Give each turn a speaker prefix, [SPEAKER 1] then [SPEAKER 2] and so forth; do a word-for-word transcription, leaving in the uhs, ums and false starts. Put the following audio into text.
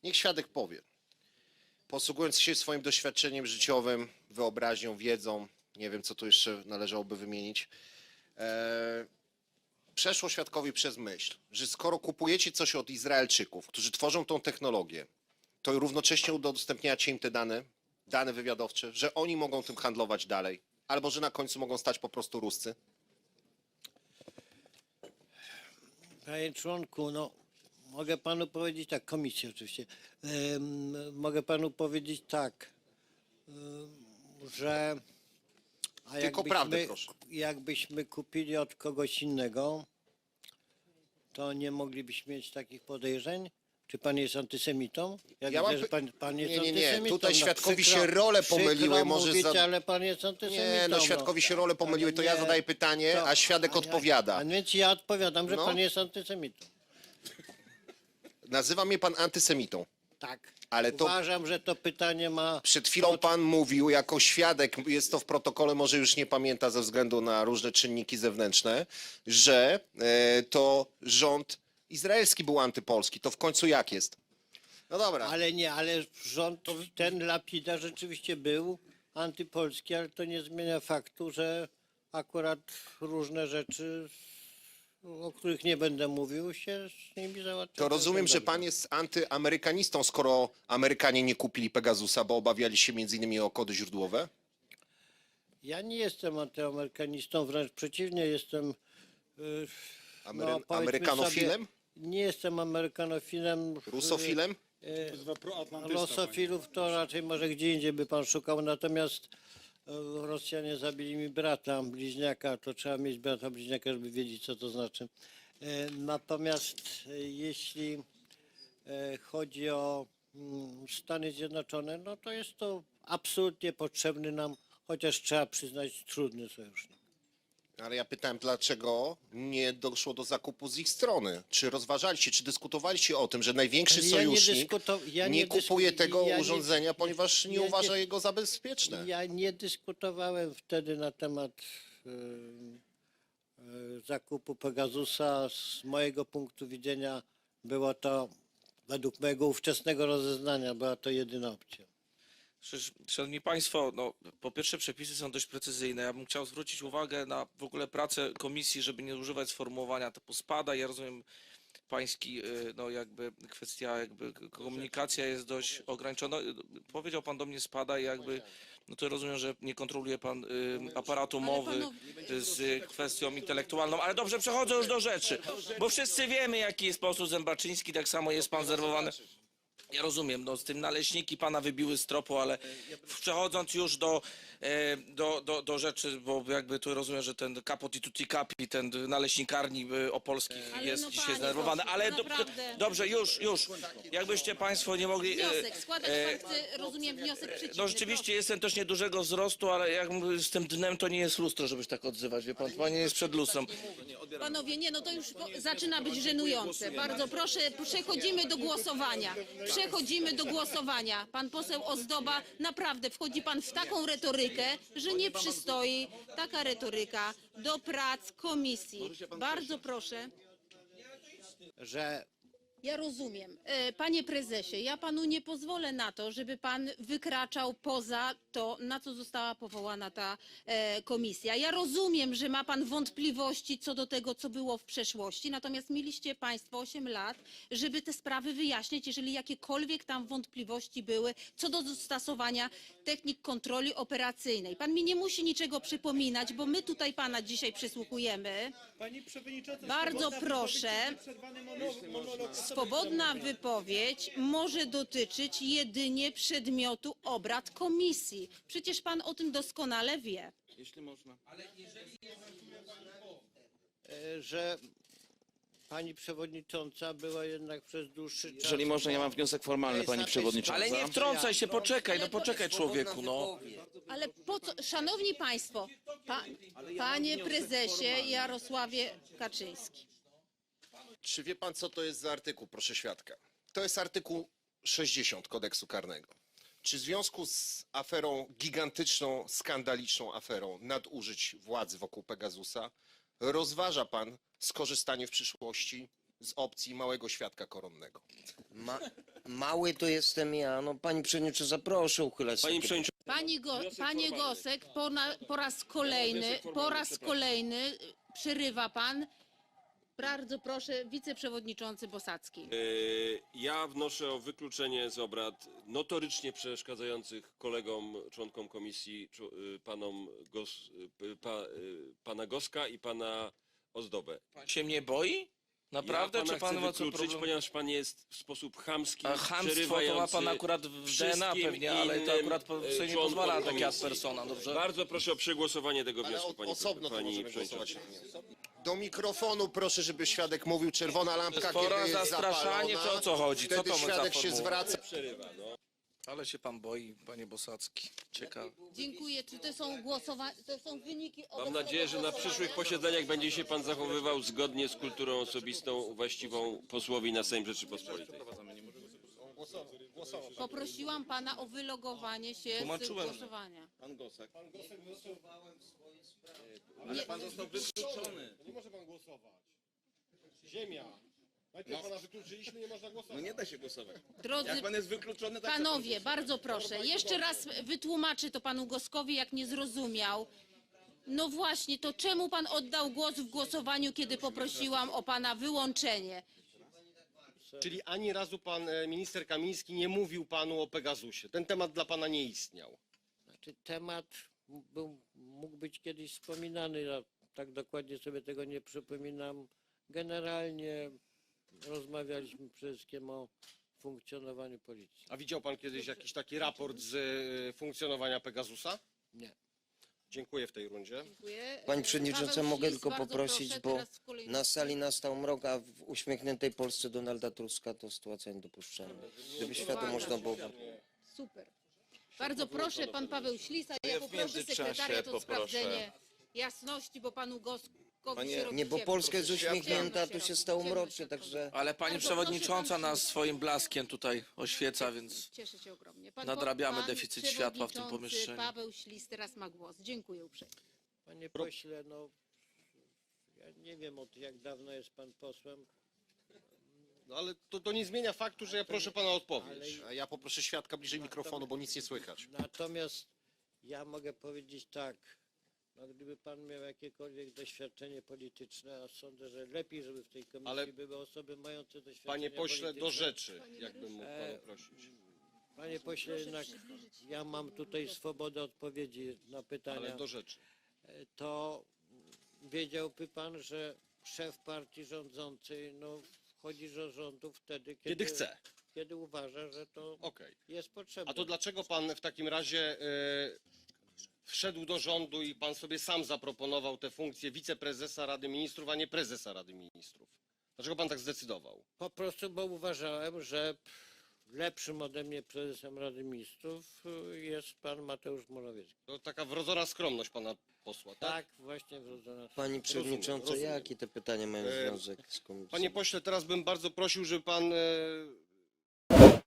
[SPEAKER 1] Niech świadek powie, posługując się swoim doświadczeniem życiowym, wyobraźnią, wiedzą, nie wiem, co tu jeszcze należałoby wymienić, e, przeszło świadkowi przez myśl, że skoro kupujecie coś od Izraelczyków, którzy tworzą tą technologię, to równocześnie udostępniacie im te dane, dane wywiadowcze, że oni mogą tym handlować dalej, albo że na końcu mogą stać po prostu Ruscy?
[SPEAKER 2] Panie członku, no mogę panu powiedzieć tak, komisji oczywiście, Ym, mogę panu powiedzieć tak, ym, że a
[SPEAKER 1] Tylko
[SPEAKER 2] jakbyśmy,
[SPEAKER 1] prawdę, proszę.
[SPEAKER 2] jakbyśmy kupili od kogoś innego, to nie moglibyśmy mieć takich podejrzeń? Czy pan jest antysemitą? Jak
[SPEAKER 1] Ja
[SPEAKER 2] widzę,
[SPEAKER 1] mam
[SPEAKER 2] że
[SPEAKER 1] py-
[SPEAKER 2] pan, pan jest
[SPEAKER 1] Nie, nie, nie.
[SPEAKER 2] antysemitą.
[SPEAKER 1] Tutaj
[SPEAKER 2] no,
[SPEAKER 1] świadkowi
[SPEAKER 2] przykro-
[SPEAKER 1] się role
[SPEAKER 2] przykro
[SPEAKER 1] pomyliły, może
[SPEAKER 2] mówić,
[SPEAKER 1] za-
[SPEAKER 2] ale pan jest antysemitą.
[SPEAKER 1] Nie, no świadkowi się role pomyliły, to ja
[SPEAKER 2] Nie,
[SPEAKER 1] zadaję pytanie,
[SPEAKER 2] to-
[SPEAKER 1] a świadek
[SPEAKER 2] ja-
[SPEAKER 1] odpowiada.
[SPEAKER 2] A więc ja odpowiadam, że
[SPEAKER 1] No.
[SPEAKER 2] pan jest antysemitą.
[SPEAKER 1] Nazywa mnie pan antysemitą,
[SPEAKER 2] Tak.
[SPEAKER 1] ale to
[SPEAKER 2] Uważam, że to pytanie ma...
[SPEAKER 1] przed chwilą pan mówił jako świadek, jest to w protokole, może już nie pamięta ze względu na różne czynniki zewnętrzne, że e, to rząd izraelski był antypolski. To w końcu jak jest? No dobra.
[SPEAKER 2] Ale nie, ale rząd, ten Lapida rzeczywiście był antypolski, ale to nie zmienia faktu, że akurat różne rzeczy, o których nie będę mówił, się z nimi załatwia.
[SPEAKER 1] To rozumiem, że
[SPEAKER 2] dobrze.
[SPEAKER 1] pan jest antyamerykanistą, skoro Amerykanie nie kupili Pegasusa, bo obawiali się między innymi o kody źródłowe?
[SPEAKER 2] Ja nie jestem antyamerykanistą, wręcz przeciwnie, jestem... Yy,
[SPEAKER 1] Amery-
[SPEAKER 2] powiedzmy
[SPEAKER 1] Amerykanofilem?
[SPEAKER 2] sobie, nie jestem amerykanofilem.
[SPEAKER 1] Rusofilem?
[SPEAKER 2] Rusofilów to raczej może gdzie indziej by pan szukał, natomiast e, Rosjanie zabili mi brata, bliźniaka, to trzeba mieć brata bliźniaka, żeby wiedzieć, co to znaczy. E, Natomiast e, jeśli e, chodzi o mm, Stany Zjednoczone, no to jest to absolutnie potrzebny nam, chociaż trzeba przyznać, trudny sojusznik.
[SPEAKER 1] Ale ja pytałem, dlaczego nie doszło do zakupu z ich strony? Czy rozważaliście, czy dyskutowaliście o tym, że największy
[SPEAKER 2] Ale ja nie
[SPEAKER 1] sojusznik
[SPEAKER 2] dyskuto- ja
[SPEAKER 1] nie
[SPEAKER 2] nie dysku-
[SPEAKER 1] kupuje tego
[SPEAKER 2] ja nie-
[SPEAKER 1] urządzenia, ponieważ nie
[SPEAKER 2] ja nie-
[SPEAKER 1] uważa jego za bezpieczne?
[SPEAKER 2] Ja nie dyskutowałem wtedy na temat y, y, zakupu Pegasusa. Z mojego punktu widzenia było to, według mojego ówczesnego rozeznania, była to jedyna opcja.
[SPEAKER 3] Przecież, Szanowni Państwo, no, po pierwsze przepisy są dość precyzyjne. Ja bym chciał zwrócić uwagę na w ogóle pracę komisji, żeby nie używać sformułowania typu spada. Ja rozumiem pański, y, no jakby kwestia, jakby komunikacja jest dość ograniczona. Powiedział pan do mnie spada i jakby, no to rozumiem, że nie kontroluje pan y, aparatu mowy z kwestią intelektualną. Ale dobrze, przechodzę już do rzeczy, bo wszyscy wiemy, jaki jest poseł Zębaczyński, tak samo jest pan zerwowany. Ja rozumiem, no z tym naleśniki pana wybiły z tropu, ale przechodząc już do, e, do, do, do rzeczy, bo jakby tu rozumiem, że ten kapot i tutti capi, ten naleśnikarni e, opolskich
[SPEAKER 4] Ale
[SPEAKER 3] jest
[SPEAKER 4] no,
[SPEAKER 3] dzisiaj
[SPEAKER 4] panie
[SPEAKER 3] zdenerwowany,
[SPEAKER 4] pośle,
[SPEAKER 3] ale do,
[SPEAKER 4] naprawdę.
[SPEAKER 3] dobrze, już, już, jakbyście państwo nie mogli... e,
[SPEAKER 4] Wniosek, składać
[SPEAKER 3] e,
[SPEAKER 4] pan chce, rozumiem, wniosek przeciwny.
[SPEAKER 3] No rzeczywiście
[SPEAKER 4] proszę.
[SPEAKER 3] jestem też niedużego wzrostu, ale jak mówię, z tym dnem to nie jest lustro, żeby się tak odzywać, wie pan, pan nie jest przed lustrem.
[SPEAKER 4] Panowie, nie, no to już po, zaczyna być żenujące. Bardzo proszę, przechodzimy do głosowania. Przechodzimy do głosowania. Pan poseł Ozdoba, naprawdę wchodzi pan w taką retorykę, że nie przystoi taka retoryka do prac komisji. Bardzo proszę.
[SPEAKER 2] Że
[SPEAKER 4] Ja rozumiem. E, Panie prezesie, ja panu nie pozwolę na to, żeby pan wykraczał poza to, na co została powołana ta e, komisja. Ja rozumiem, że ma pan wątpliwości co do tego, co było w przeszłości, natomiast mieliście państwo osiem lat, żeby te sprawy wyjaśnić, jeżeli jakiekolwiek tam wątpliwości były co do stosowania technik kontroli operacyjnej. Pan mi nie musi niczego przypominać, bo my tutaj pana dzisiaj przysłuchujemy.
[SPEAKER 5] Pani przewodnicząca,
[SPEAKER 4] Bardzo
[SPEAKER 5] swobodna
[SPEAKER 4] proszę.
[SPEAKER 5] wypowiedź, przerwany monolog, monolog osoby
[SPEAKER 4] Swobodna
[SPEAKER 5] sprawozdawcy.
[SPEAKER 4] wypowiedź może dotyczyć jedynie przedmiotu obrad komisji. Przecież pan o tym doskonale wie.
[SPEAKER 2] e, że pani przewodnicząca była jednak przez dłuższy czas...
[SPEAKER 6] Jeżeli można, ja mam wniosek formalny, pani przewodnicząca.
[SPEAKER 3] Ale nie wtrącaj się, poczekaj, no poczekaj człowieku, no.
[SPEAKER 4] Ale po co, szanowni państwo, pa, panie prezesie Jarosławie Kaczyński.
[SPEAKER 1] Czy wie pan, co to jest za artykuł, proszę świadka? To jest artykuł sześćdziesiąt kodeksu karnego. Czy w związku z aferą, gigantyczną, skandaliczną aferą nadużyć władzy wokół Pegasusa rozważa pan skorzystanie w przyszłości z opcji małego świadka koronnego.
[SPEAKER 7] Ma, mały to jestem ja. No pani przewodnicząca, proszę uchylać
[SPEAKER 8] Pani
[SPEAKER 7] takie-
[SPEAKER 8] przewodnicząca,
[SPEAKER 4] Pani Go, panie Gosek, po, na, po raz kolejny, po raz kolejny y, przerywa pan. Bardzo proszę, wiceprzewodniczący Bosacki.
[SPEAKER 8] yy, ja wnoszę o wykluczenie z obrad notorycznie przeszkadzających kolegom, członkom komisji, czu- yy, panom Gos, yy, pa, yy, pana Goska i pana Ozdobę.
[SPEAKER 3] Pan się mnie boi? Naprawdę?
[SPEAKER 8] ja pana
[SPEAKER 3] Czy pan
[SPEAKER 8] chcę
[SPEAKER 3] ma co
[SPEAKER 8] wykluczyć,
[SPEAKER 3] problem?
[SPEAKER 8] ponieważ pan jest w sposób chamski,
[SPEAKER 3] A chamstwo to ma
[SPEAKER 8] przerywający
[SPEAKER 3] pan akurat w D N A
[SPEAKER 8] wszystkim
[SPEAKER 3] pewnie, ale to
[SPEAKER 8] innym,
[SPEAKER 3] akurat po-
[SPEAKER 8] yy,
[SPEAKER 3] sobie nie
[SPEAKER 8] członkom
[SPEAKER 3] pozwala tak jak
[SPEAKER 8] komisji.
[SPEAKER 3] persona, dobrze?
[SPEAKER 8] Bardzo proszę o przegłosowanie tego
[SPEAKER 1] Ale
[SPEAKER 8] wniosku,
[SPEAKER 1] o,
[SPEAKER 8] pani,
[SPEAKER 1] osobno to
[SPEAKER 8] pani
[SPEAKER 1] możemy
[SPEAKER 8] przewodnicząca.
[SPEAKER 1] głosować. Do mikrofonu proszę, żeby świadek mówił. Czerwona lampka,
[SPEAKER 3] Spora
[SPEAKER 1] kiedy jest
[SPEAKER 3] zastraszanie,
[SPEAKER 1] zapalona.
[SPEAKER 3] czy o co chodzi? Co
[SPEAKER 1] Wtedy
[SPEAKER 3] to ma za
[SPEAKER 1] świadek się
[SPEAKER 3] formuła?
[SPEAKER 1] zwraca.
[SPEAKER 8] Przerywa, no.
[SPEAKER 3] Ale się pan boi, panie Bosacki. Ciekawe.
[SPEAKER 4] Dziękuję. Czy to są głosowania, to są wyniki
[SPEAKER 8] Mam
[SPEAKER 4] obecnego
[SPEAKER 8] nadzieję, że na
[SPEAKER 4] głosowania?
[SPEAKER 8] przyszłych posiedzeniach będzie się pan zachowywał zgodnie z kulturą osobistą właściwą posłowi na Sejm Rzeczypospolitej.
[SPEAKER 4] Poprosiłam pana o wylogowanie się z
[SPEAKER 3] Tłumaczyłem.
[SPEAKER 4] głosowania.
[SPEAKER 6] Pan Gosek.
[SPEAKER 4] Nie,
[SPEAKER 5] Nie może pan głosować. Ziemia. Najpierw pana wykluczyliśmy, nie można
[SPEAKER 6] No
[SPEAKER 5] głosować.
[SPEAKER 6] nie da się głosować.
[SPEAKER 4] drodzy
[SPEAKER 6] Jak pan jest wykluczony, tak
[SPEAKER 4] panowie, bardzo proszę, jeszcze raz wytłumaczę to panu Goskowi, jak nie zrozumiał. No właśnie, to czemu pan oddał głos w głosowaniu, kiedy poprosiłam o pana wyłączenie?
[SPEAKER 5] Czyli ani razu pan e, minister Kamiński nie mówił panu o Pegasusie. Ten temat dla pana nie istniał.
[SPEAKER 2] Znaczy, temat był, mógł być kiedyś wspominany, ja tak dokładnie sobie tego nie przypominam. Generalnie rozmawialiśmy przede wszystkim o funkcjonowaniu policji.
[SPEAKER 5] A widział pan kiedyś jakiś taki raport z e, funkcjonowania Pegasusa?
[SPEAKER 2] Nie.
[SPEAKER 5] Dziękuję w tej rundzie.
[SPEAKER 4] Dziękuję.
[SPEAKER 7] Pani przewodnicząca,
[SPEAKER 4] Paweł
[SPEAKER 7] mogę
[SPEAKER 4] Ślis,
[SPEAKER 7] tylko
[SPEAKER 4] bardzo
[SPEAKER 7] poprosić,
[SPEAKER 4] proszę,
[SPEAKER 7] bo
[SPEAKER 4] teraz kolejny.
[SPEAKER 7] na sali nastał mrok, a w uśmiechniętej Polsce Donalda Tuska to sytuacja niedopuszczalna. Gdyby światło można było...
[SPEAKER 4] Super. Bardzo proszę, pan Paweł Ślisa, ja
[SPEAKER 6] w
[SPEAKER 4] poproszę
[SPEAKER 6] międzyczasie
[SPEAKER 4] sekretariat o
[SPEAKER 6] poproszę.
[SPEAKER 4] sprawdzenie jasności, bo panu Goskowi
[SPEAKER 6] Panie-
[SPEAKER 4] się robi
[SPEAKER 7] Nie, bo
[SPEAKER 4] ciemno.
[SPEAKER 7] Polska jest uśmiechnięta,
[SPEAKER 4] Ciemno
[SPEAKER 7] tu się
[SPEAKER 4] robi,
[SPEAKER 7] stało
[SPEAKER 4] ciemno
[SPEAKER 7] mrocznie,
[SPEAKER 4] się
[SPEAKER 7] także...
[SPEAKER 3] Ale pani
[SPEAKER 4] Bardzo
[SPEAKER 3] przewodnicząca
[SPEAKER 4] proszę, pan
[SPEAKER 3] nas
[SPEAKER 4] się-
[SPEAKER 3] swoim blaskiem tutaj oświeca, więc
[SPEAKER 4] Cieszę się ogromnie. Pan,
[SPEAKER 3] nadrabiamy
[SPEAKER 4] pan
[SPEAKER 3] deficyt światła w tym
[SPEAKER 4] przewodniczący
[SPEAKER 3] pomieszczeniu.
[SPEAKER 4] Paweł Ślis teraz ma głos. Dziękuję uprzejmie.
[SPEAKER 2] Panie pośle, no ja nie wiem od jak dawno jest pan posłem,
[SPEAKER 5] No ale to, to nie zmienia faktu, że ja proszę pana o odpowiedź.
[SPEAKER 1] A ja poproszę świadka bliżej mikrofonu, bo nic nie słychać.
[SPEAKER 2] natomiast ja mogę powiedzieć tak, no gdyby pan miał jakiekolwiek doświadczenie polityczne, a sądzę, że lepiej, żeby w tej komisji
[SPEAKER 5] Ale-
[SPEAKER 2] były osoby mające doświadczenie
[SPEAKER 5] Panie pośle, do
[SPEAKER 2] polityczne.
[SPEAKER 5] rzeczy, jakbym mógł pana
[SPEAKER 2] E,
[SPEAKER 5] prosić.
[SPEAKER 2] Panie pośle, jednak ja mam tutaj swobodę odpowiedzi na pytania.
[SPEAKER 5] Ale do rzeczy.
[SPEAKER 2] E, To wiedziałby pan, że szef partii rządzącej no, wchodzi do rządu wtedy, kiedy,
[SPEAKER 5] Kiedy chce.
[SPEAKER 2] kiedy uważa, że to
[SPEAKER 5] Okej.
[SPEAKER 2] jest potrzebne.
[SPEAKER 5] A to dlaczego pan w takim razie e, wszedł do rządu i pan sobie sam zaproponował tę funkcję wiceprezesa Rady Ministrów, a nie prezesa Rady Ministrów? Dlaczego pan tak zdecydował?
[SPEAKER 2] Po prostu, bo uważałem, że lepszym ode mnie prezesem Rady Ministrów y, jest pan Mateusz Morawiecki.
[SPEAKER 5] To taka wrodzona skromność pana posła, tak?
[SPEAKER 2] Tak, właśnie wrodzona.
[SPEAKER 7] Pani przewodnicząca,
[SPEAKER 5] rozumiem.
[SPEAKER 7] jakie te pytania mają
[SPEAKER 5] E,
[SPEAKER 7] związek z komisją?
[SPEAKER 5] Panie pośle, teraz bym bardzo prosił, żeby pan e,